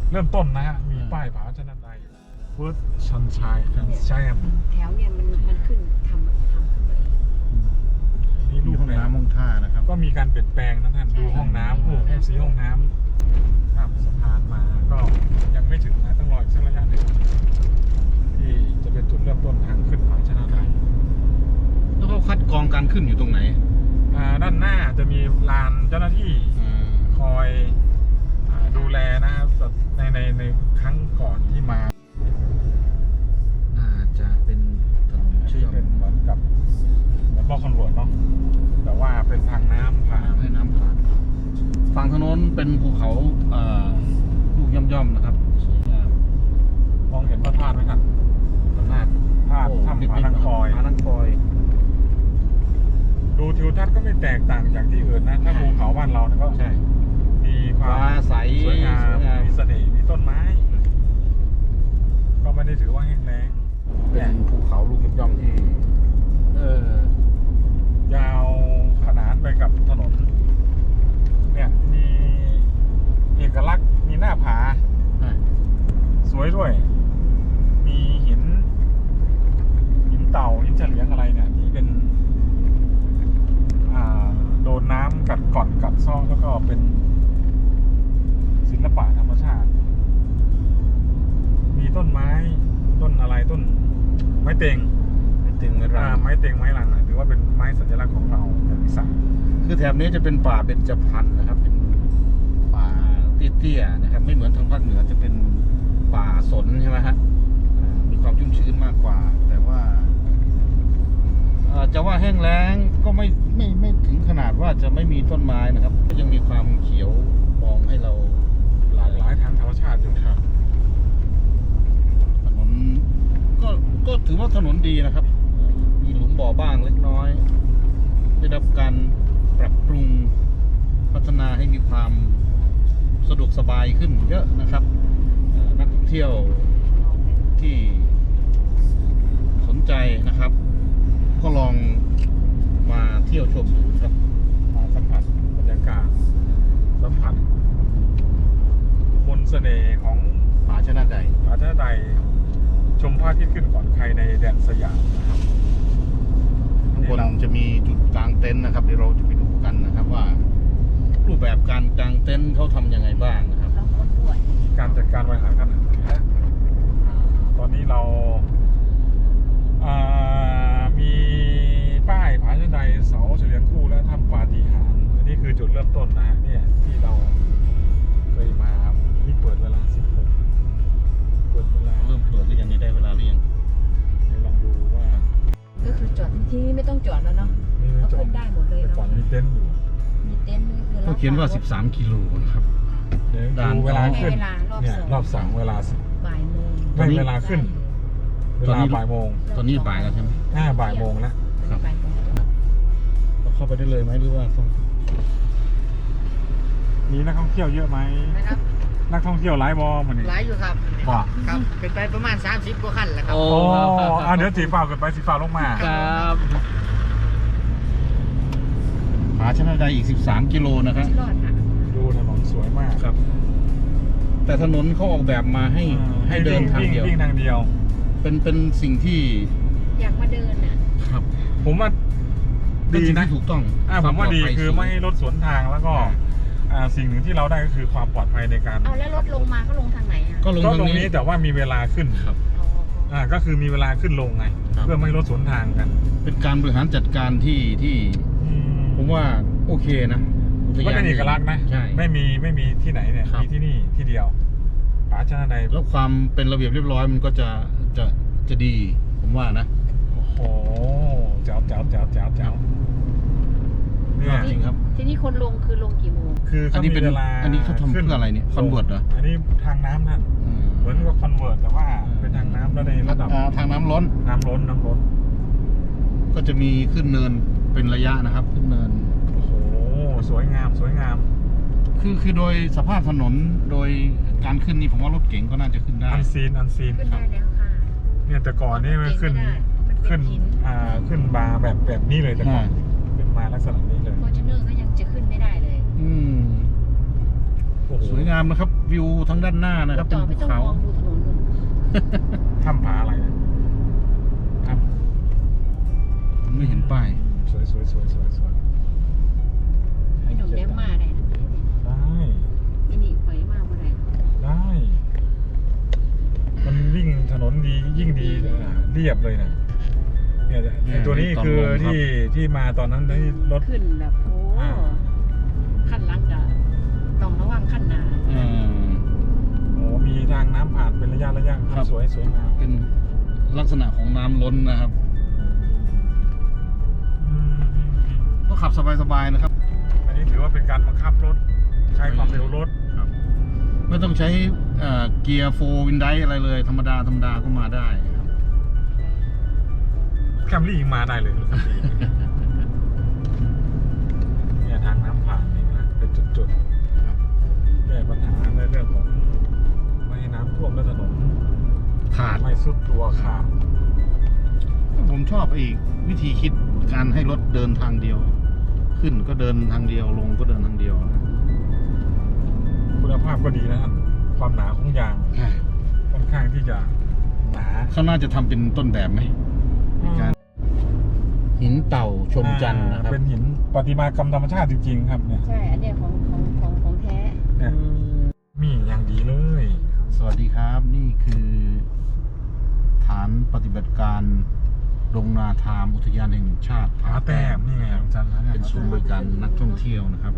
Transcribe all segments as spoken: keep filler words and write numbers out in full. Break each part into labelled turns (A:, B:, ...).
A: เริ่มต้นนะฮะมีป้ายผาชนะใดเฟิร์สชันชัยแอนด์แซม
B: แถวเนี่ยมันมันขึ้นทำทำขึ้นมาเอง
A: นี่
C: มี
A: รูป
C: ห้อง
A: แบบ
C: น้ำห้องท่านะครับ
A: ก็มีการเปลี่ยนแปลงนะท่านดูห้องน้ำโอ้โหสีห้องน้ำข้ามสะพานมาก็ยังไม่ถึงนะต้องรออีกสักระยะหนึ่งที่จะเป็นจุดเริ่มต้นทางขึ้นผาชนะใด
C: แล้วเขาคัดกรองการขึ้นอยู่ตรงไหน
A: อ่าด้านหน้าจะมีลานเจ้าหน้าที่
C: อ่า
A: คอยอ่าดูแลนะครับในในในครั้งก่อนที่มา
C: น่าจะเป็นถนนเชื่อม
A: เป็นเหมือนกับเหมือนบอกคอนเวิร์ตเนาะแต่ว่าเป็นทางน้ำผ่าน
C: ให้น้ำผ่านฝั่งถนนเป็นภูเขาเอ่อลูกย่อมๆนะครับสวยงาม
A: มองเห็นพระธาตุไหมครับพระธาตุธาตุถ้ำผานังคอย
C: ผานังคอย
A: ดูทิวทัศน์ก็ไม่แตกต่างจากที่อื่นนะถ้าภูเขาบ้านเราเนี่ยก็
C: ใช่
A: มีความ
C: ฟ้าใส
A: สวยงามมีเสน่ห์มีต้นไม้ ก็ไม่ได้ถือว่าแห้งแล้ง
C: เป็นภูเขาลูกย่อมๆที่เออย
A: าวขนานไปกับถนนเนี่ยมีเอกลักษณ์มีหน้าผา
C: อ่ะ
A: สวยด้วย มีหิน หินเต่า หินเฉลียงอะไรเนี่ยที่เป็น อ่า โดนน้ำกัดก่อนกัดซ่อแล้วก็เป็นศิลปะธรรมชาติ มีต้นไม้ ต้นอะไรต้น ไม้เต็ง
C: เป็นตึงไม้
A: อ่า
C: รัง
A: ไม้เต็งไม้ลังนะถือว่าเป็นไม้สัญลักษณ์ของเราของอีสาน
C: คือแถบนี้จะเป็นป่าเบญจพรรณนะครับ เป็นป่าเตี้ยๆนะครับ ไม่เหมือนทางภาคเหนือจะเป็นป่าสนใช่ไหมฮะอ่ามีความชุ่มชื้นมากกว่า แต่ว่าเอ่อจะว่าแห้งแล้งก็ไม่ไม่ไม่ถึงขนาดว่าจะไม่มีต้นไม้นะครับ ก็ยังมีความเขียวมองให้เรา
A: หลากหลายทางธรรมชาติอยู่ครับ
C: ถนนก็ก็ถือว่าถนนดีนะครับ มีหลุมบ่อบ้างเล็กน้อย ได้รับการปรับปรุงพัฒนาให้มีความสะดวกสบายขึ้นเยอะนะครับเอ่อนักท่องเที่ยวที่สนใจนะครับ ก็ลองมาเที่ยวชมดูครับ
A: มาสัมผัสบรรยากาศ สัมผัสมนต์เสน่ห์ของ
C: ผาชนะใด
A: ผาชนะใดชมพระอาทิตย์ขึ้นก่อนใครในแดนสยามนะครับ
C: ข้างบนจะมีจุดกลางเต็นท์นะครับเดี๋ยวเราจะไปดูกันนะครับว่า รูปแบบการกางเต็นท์เขาทำยังไงบ้างนะครับ
B: แล้วคนด้วย
A: การจัดการบริหารขนาดนี้นะตอนนี้เราอ่ามีป้ายผาชนะใดเสาเฉลียงคู่และถ้ำปาฏิหาริย์อันนี้คือจุดเริ่มต้นนะฮะเนี่ยที่เราเคยมานี่เปิดเวลาสิบหกเปิดเวลา
C: เริ่มเปิดหรือยังนี่ได้เวลาหรือยัง
A: เดี๋ยวลองดูว่า
B: ก็คือจอดที่นี่ไม่ต้องจอดแล้วเนาะ
A: มีไม่
B: ก็
A: จอด
B: ขึ้นได้หมดเลย
A: แต่
B: เนาะ
A: ก่อนมีเต็นท์อยู่
B: มีเต็นท์ด้วยคือ
C: เขาเขียนว่าสิบสามกิโลนะครับ
A: เดี๋ยว
C: ด่าน
A: ดูเวลา
B: ให้
A: ขึ้น
B: เวลารอบ
A: เนี่ย
B: สอง
A: รอบสองเวลาสิบ
B: บ่ายโมง
A: ไม่เวลาขึ้น เว
C: ตอน
A: ลา
C: นี้
A: บ่ายโมง
C: ตอนนี้บ่ายแล้วใช่ไหม
A: ห้าบ่ายโมงแล้ว
C: ครับ
B: บ่ายโมง
C: เราเข้าไปได้เลยไหมหรือว่าต้อง
A: มีนักท่องเที่ยวเยอะไหม
D: นะครับ
A: นักท่องเที่ยวไลฟ์บอลมันนี่
D: หลายอยู่ครับ
A: บอก
D: ครับ เป็นไปประมาณสามสิบกว่าคันแหละครับ
C: โอ้
A: โอ้อ่ะเดี๋ยวสีฟ้าเกิดไปสีฟ้าลงมา
C: ครับผาชนะใดอีกสิบสามกิโลนะครับ
B: รอดค่ะ
A: ดูถนนสวยมาก
C: ครับ แต่ถนนเขาออกแบบมาให้ให้เดินทางเดียว
A: วิ่งทางเดียว
C: เป็นเป็นสิ่งที่
B: อยากมาเดินอ่ะ
C: ครับ
A: ผมว่า
C: เป็น
A: ดี
C: สิ่ง
A: นะ
C: ที่ถูกต้อง
A: อ่าผมว่าดีคือไม่ให้รถสวนทางแล้วก็
C: อ่า
A: อ่าสิ่งหนึ่งที่เราได้ก็คือความปลอดภัยในการ
B: เอาแล้วรถลงมาก็ลงทางไหนอ่ะ
C: ก็ลง
A: ก็
C: ทาง
A: ตรง
C: นี้
A: นี้แต่ว่ามีเวลาขึ้น
C: ครับ
B: อ๋อ
A: อ่าก็คือมีเวลาขึ้นลงไง
C: ครับ
A: เพื่อไม่ให้รถสวนทางกัน
C: เป็นการบริหารจัดการที่ที่
A: อืม
C: ผมว่าโอเคนะอุท
A: ก็
C: ยา
A: เป็นเอกลักษณ์นะ
C: ใช่
A: ไม่มีไม่มีที่ไหนเนี่ย
C: ครับ
A: มีที่นี่ที่เดียวผาชนะใด
C: แล้วความเป็นระเบียบเรียบร้อยมันก็จะจะจะดี ผมว่านะ
A: โอ้โหแจ๋วแจ๋วแจ๋วแจ๋วแจ๋วเนี่ย
C: จริงครับ
B: ที่นี่คนลงคือลงกี่โมง
A: คือ
C: อัน
A: เขา
C: นี้
A: มี
C: เป็น
A: เวลา
C: อันนี้เขาทำเพื่ออะไรเนี่ย convert เหรอ
A: อันนี้ทางน้ำท่าน
C: อืม
A: เหมือนกับคอนเวิร์ตแต่ว่าเป็นทางน้ำแล้วในระดับ
C: อ่าทางน้ำล้น
A: น้ำล้นน้ำล้น
C: ก็จะมีขึ้นเนินเป็นระยะนะครับ ขึ้นเนิน
A: โอ้โหสวยงามสวยงาม
C: คือคือโดยสภาพถนนโดยการขึ้นนี่ผมว่ารถเก๋งก็น่าจะขึ้นได้
A: อันซีนอันซีน
B: ขึ้นได้แล้วค่ะ
A: เนี่ยแต่ก่อนนี่มันขึ้น
B: มันเป็
A: ขึ้น
B: นหิน
A: อ่าขึ้นบาร์แบบแบบนี้เลยแต่ก่อน
C: อ่า
A: เป็นมาลักษณะนี้เลย
B: ฟอร์จูเนอร์ก็ยังจะขึ้นไม่ได้เลย
C: อืม
A: โอ้โห
C: สวยงามนะครับ วิวทั้งด้านหน้านะครับ
B: จ
C: เป็
B: อน ไม่
C: ภู
B: ต้อง
C: เขา
B: มองดูถนนนู่น
A: ถ้ำผาอะไรนะถ้
C: ไม่เห็นป้าย
A: ำสวยสวยสวยสวยสวย
B: พี่หนุ่มแดมมาได้นะ
A: ได้
B: พี่นี่ข่อยมาบ่ได้
A: ได้ มันวิ่งถนนดียิ่งดีอ่าเรียบเลยนะเนี่ยไอ้ตัวนี้คือที่ที่มาตอนนั้นที่รถ
B: ขึ้นแบบโอ้
A: อ่า
B: ขั้นหลังจะต้องระวังขั้นหนา
C: อืม
A: โอ้มีทางน้ำผ่านเป็นระยะระยะ
C: ครับ
A: สวยสวยงาม
C: เป็นลักษณะของน้ำล้นนะครับ
A: อืมอืมอืม
C: ก็ขับสบายๆนะครับ
A: อันนี้ถือว่าเป็นการบังคับรถ ใช้ความเร็วรถ
C: ไม่ต้องใช้เอ่อเกียร์โฟวินไดอะไรเลย ธรรมดาธรรมดาก็มาได้ครับ
A: แคมรี่ยังมาได้เลยรถแคมรี่เนี่ยทางน้ำผ่านนี่นะเป็นจุดๆแก้ปัญหาในเรื่องของไม่ให้น้ำท่วมและถนน
C: ขาด
A: ไม่สุดตัวขาด
C: ผมชอบอีกวิธีคิดการให้รถเดินทางเดียว ขึ้นก็เดินทางเดียวลงก็เดินทางเดียวนะ
A: คุณภาพก็ดีนะท่านความหนาของยางค่อนข้างที่จะหนา
C: เขาน่าจะทำเป็นต้นแบบไหมการหินเต่าชมจันทร์นะครับ
A: เป็นหินประติมากรรมธรรมชาติจริงๆครับเนี่ย
B: ใช่ อันเนี้ยของของของของแท้
A: เนี่ยมีอย่างดีเลย
C: สวัสดีครับ นี่คือฐานปฏิบัติการดงนาทามอุทยานแห่งชาติ
A: ผาแต้มนี่ไงของจันทร์นะเนี่ย
C: เป็นศูนย์บริการนักท่องเที่ยวนะครับ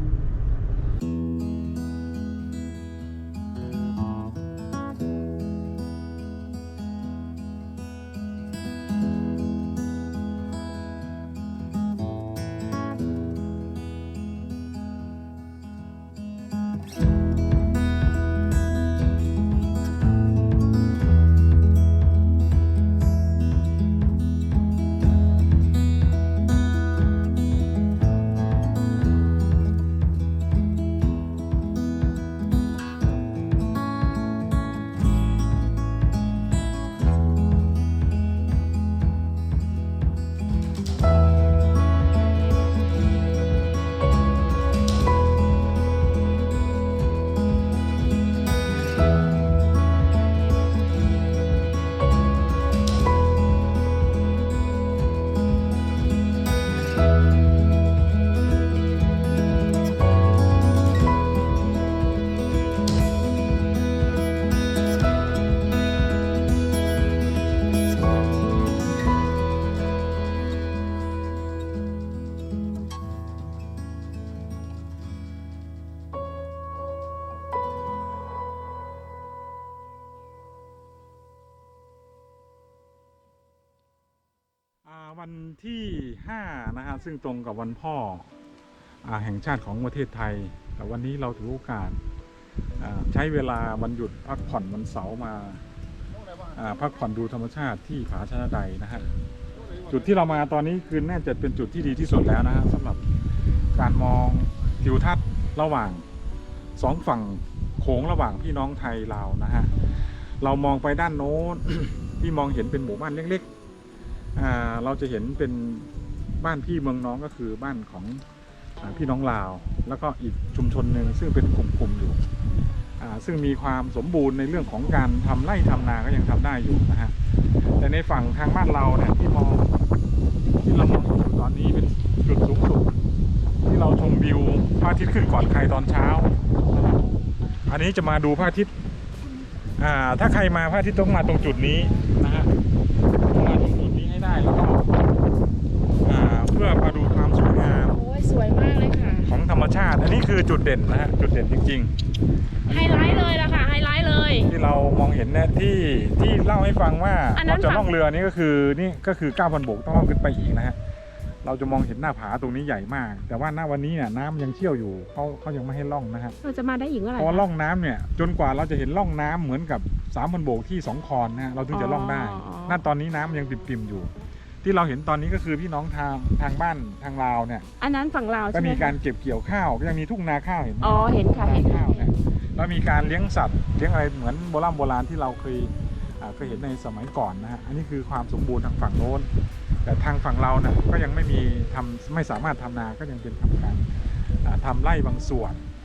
A: อ่าวันที่ห้านะฮะซึ่งตรงกับวันพ่ออ่าแห่งชาติของประเทศไทย แต่วันนี้เราถือโอกาสอ่าใช้เวลาวันหยุดพักผ่อนวันเสาร์มาอ่าพักผ่อนดูธรรมชาติที่ผาชนะใดนะฮะจุดที่เรามาตอนนี้คือน่าจะเป็นจุดที่ดีที่สุดแล้วนะฮะสำหรับการมองทิวทัศน์ระหว่างสองฝั่งโขงระหว่างพี่น้องไทยลาวนะฮะเรามองไปด้านโน้น ที่มองเห็นเป็นหมู่บ้านเล็กๆอ่าเราจะเห็นเป็นบ้านพี่เมืองน้องก็คือบ้านของอ่าพี่น้องลาว แล้วก็อีกชุมชนหนึ่งซึ่งเป็นกลุ่มๆอยู่อ่าซึ่งมีความสมบูรณ์ในเรื่องของการทำไร่ทำนาก็ยังทำได้อยู่นะฮะแต่ในฝั่งทางบ้านเราเนี่ยที่มองที่เรามองอยู่ตอนนี้เป็นจุดสูงสุดที่เราชมวิวพระอาทิตย์ขึ้นก่อนใครตอนเช้านะครับอันนี้จะมาดูพระอาทิตย์อ่าถ้าใครมาพระอาทิตย์ต้องมาตรงจุดนี้นะฮะต้องมาตรงจุดนี้ให้ได้แล้วก็อ่าเพื่อมาดูความสวยงาม
B: โอ้ยสวยมากเลยค่ะ
A: ของธรรมชาติ อันนี้คือจุดเด่นนะฮะจุดเด่นจริง
E: ไฮไลท์เลยล่ะค่ะไฮไลท์เลย
A: ๆ ที่เรามองเห็นเนี่ยที่ที่เล่าให้ฟังว่า
E: อันนั้
A: เรา
E: น
A: จะ
E: ฝั่ง
A: ล่องเรือนี่ก็คือนี่ก็คือ เก้าพัน โบกต้องล่องขึ้นไปอีกนะฮะเราจะมองเห็นหน้าผาตรงนี้ใหญ่มาก แต่ว่าหน้าวันนี้เนี่ยน้ำยังเชี่ยวอยู่เขาเขายังไม่ให้ล่องนะฮะ
E: เราจะมาได้อีกเมื่อไหร่
A: เพราะว่าล่องน้ำเนี่ยจนกว่าเราจะเห็นล่องน้ำเหมือนกับ สามพัน โบกที่สองคอนนะฮะเราถึงจะล่องได้ณตอนนี้น้ำยังปิ่มๆอยู่ ที่เราเห็นตอนนี้ก็คือพี่น้องทางทางบ้านทางลาวเนี่ย
E: อันนั้นฝั่งลาว
A: ก็
E: ใช่ไหม
A: มีการ
E: คะ
A: เก็บเกี่ยวข้าวก็ยังมีทุ่งนาข้าวเห็นไหม
E: อ๋อเห็นค่ะ
A: นา
E: เห็น
A: ข้าวเนี่ยแล้วมีการเลี้ยงสัตว์เลี้ยงอะไรเหมือนโบราณโบราณที่เราเคยอ่าเคยเห็นในสมัยก่อนนะฮะอันนี้คือความสมบูรณ์ทางฝั่งโน้น แต่ทางฝั่งเราเนี่ยก็ยังไม่มีทำไม่สามารถทำนาก็ยังเป็นทำการอ่าทำไร่บางส่วน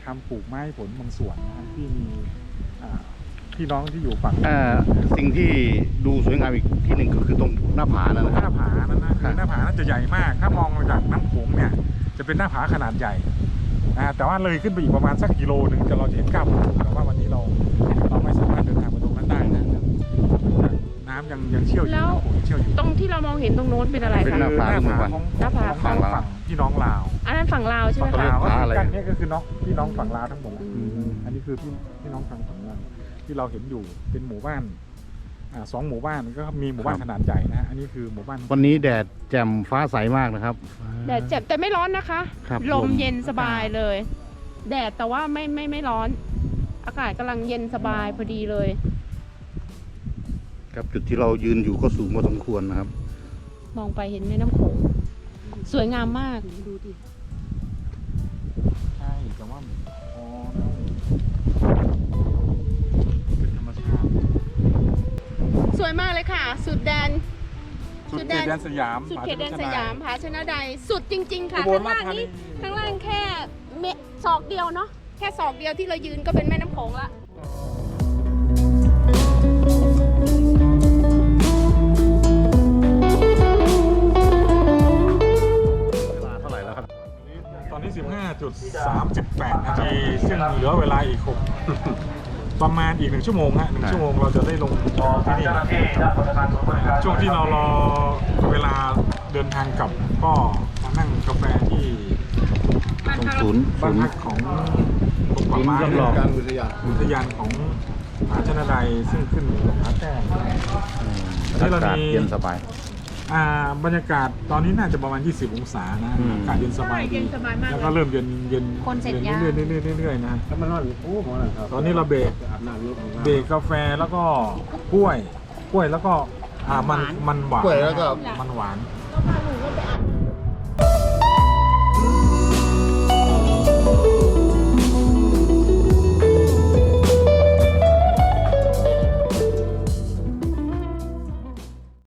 A: ทำปลูกไม้ผลบางส่วนนะที่มีอ่าพี่น้องที่อยู่ฝั่ง
C: เอ่อสิ่งที่ดูสวยงามอีกที่หนึ่งก็คือตรงหน้าผานั่นนะ
A: ห
C: ค
A: น้า
C: รับ
A: ผานั้นนะ
C: ครั
A: คือบ หน้าผานั้นจะใหญ่มาก ถ้ามองจากน้ำโขงเนี่ยจะเป็นหน้าผาขนาดใหญ่นะแต่ว่าเลยขึ้นไปอีกประมาณสักกิโลหนึ่งจะเราจะเห็นก้าวภูแต่ว่าวันนี้เราเราไม่สามารถเดินทางไปตรงนั้นได้นะน้ำยังยังเชี่ยวอยู่
E: แล้ว
A: น้ำโขงยังเชี่ยวอยู่
E: ตรงที่เรามองเห็นตรงโน้นเป็นอะไร
C: เป็น
E: คะ
C: หน้าผา
A: คือ
C: หมู่บ้าน
A: ของ
E: หน้าผา
A: ของฝั่งฝั่งพี่น้องลาว
E: อันนั้นฝั่งลาวใช่ไหม
A: ฝั่ง
E: คะ
A: ลาวก็
C: ผา
A: คือ
C: อะไร
A: กันเนี่ยก็คือน้องพี่น้องฝั่งลาวทั้งหมดแหละ
C: อืม
A: อันนี้คือพี่พี่น้องฝั่งฝั่งลาวที่เราเห็นอยู่เป็นหมู่บ้านอ่าสองหมู่บ้านก็มีหมู่บ้านขนาดใหญ่นะฮะอันนี้คือหมู่บ้าน
C: วันนี้แดดแจ่มฟ้าใสมากนะครับ
E: แดดเจ็บแต่ไม่ร้อนนะคะ
C: ครับ
E: ล
C: ล
E: ม
C: ม
E: เย็นสบายเลย แดดแต่ว่าไม่ไม่ไม่ร้อน อากาศกำลังเย็นสบายพอดีเลย
C: ครับจุดที่เรายืนอยู่ก็สูงพอสมควรนะครับ
E: มองไปเห็นแม่น้ำโขงสวยงามมากดูดิ
A: ใช่แต่ว่าพอแล้วเป็นธรรมชาติ
E: สวยมากเลยค่ะ สุดแดน
A: สุดเขตแดนสยาม
E: สุดเขตแดน
A: ผ
E: สยามผาชนะใดสุดจริง ๆ ค่ะ
A: อุบล
E: ข้างล่าง
A: ราชธานี
E: นี้ข้างล่างแค่เมตรศอกเดียวเนาะแค่ศอกเดียวที่เรายืนก็เป็นแม่น้ำโขงละ
C: เวลาเท่าไหร่แล้วครับ
A: ตอนนี้ สิบห้าจุดสามแปด นาที ซึ่งเหลือเวลาอีกหกประมาณอีกหนึ่งชั่วโมงฮะหนึ่งชั่วโมงเราจะได้ลงจอที่นี่ช่วงที่เรารอเวลาเดินทางกลับก็มานั่งกาแฟที่
C: ตรงศูนย์
A: บ้า
C: ศู
A: น
C: นย์
A: พักของกรมป่าไม้
C: จำลอง
A: อุทยานอุทยานของผาชนะใดซึ่งขึ้นผาแต้ม
C: อากาศเย็นสบาย
A: อ่าบรรยากาศตอนนี้น่าจะประมาณ ยี่สิบ องศานะ
C: อืม
A: อากาศเย็นสบายดี
E: เย็นสบายมาก
A: แล้ว
E: เล
A: ก็
E: ย
A: เริ่มเย็นเย็น
E: คนเสร็จ
A: เย็น
E: ยัง
A: เรื่อยๆเรื่อยๆเรื่อยๆนะ
D: แล้วมันว่าโอ้โหครับ
A: ตอนนี้เราเบรก
D: อาบน้ำรถของเรา
A: เบรกกาแฟแล้วก็กล้วย กล้วยแล้วก็อ่ามันมันหวาน
C: กล้วยแล้วก็
A: มันหวาน
E: ก็พาลูก